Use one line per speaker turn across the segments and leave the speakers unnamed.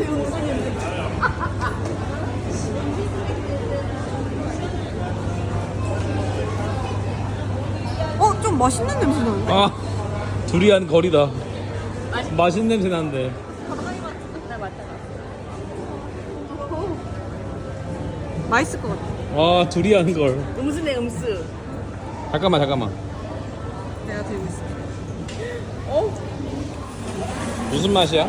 좀 맛있는 냄새 나는데?
아 두리안 거리다. 맛있는 냄새 나는데.
맛있을 것 같아.
아 두리안 걸.
음수네 음수.
잠깐만.
내가 들고 있어.
무슨 맛이야?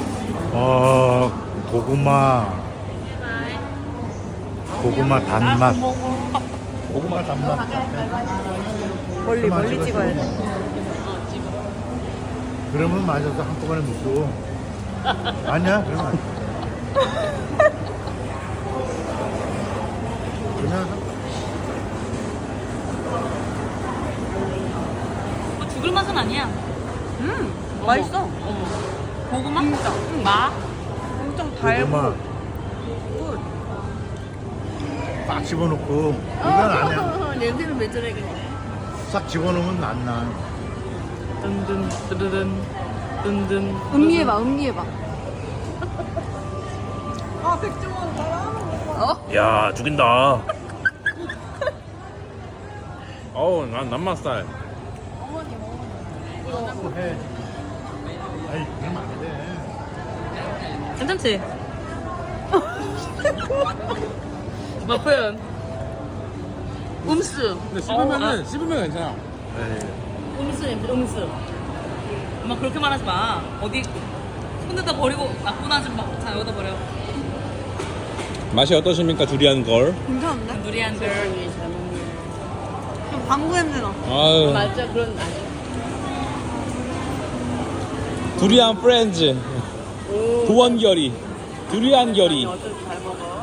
고구마 단맛.
고구마 단맛.
멀리 찍어야 돼.
그러면 맞아서 한꺼번에 묻고. 아니야? 그러면 안 돼. 그냥
죽을 맛은 아니야.
맛있어.
고구마?
진짜.
마?
엄청 달고.
고구마 빡 집어넣고 이건 아니야.
냄새는 왜 저래 그냥.
싹 집어넣으면 안 나.
든든 뜨르든 든든.
음미해봐. 아, 백종원 따라하는 거.
야 죽인다. 어우 난 남맛살.
또 해. 아이 그러면 안 돼.
괜찮지? 뭐 표현? 음수.
근데 씹으면 괜찮아.
음수 냄새 음수. 엄마 그렇게 말하지 마. 어디 손에다 버리고 나쁜 아줌마. 자 여기다 버려.
맛이 어떠십니까 두리안 걸?
괜찮은데?
누리한 걸.
좀 방구 냄새 나.
아유
맞아 그런
두리안 프렌즈 도원결이 두리안 결이.
어차피 잘 먹어.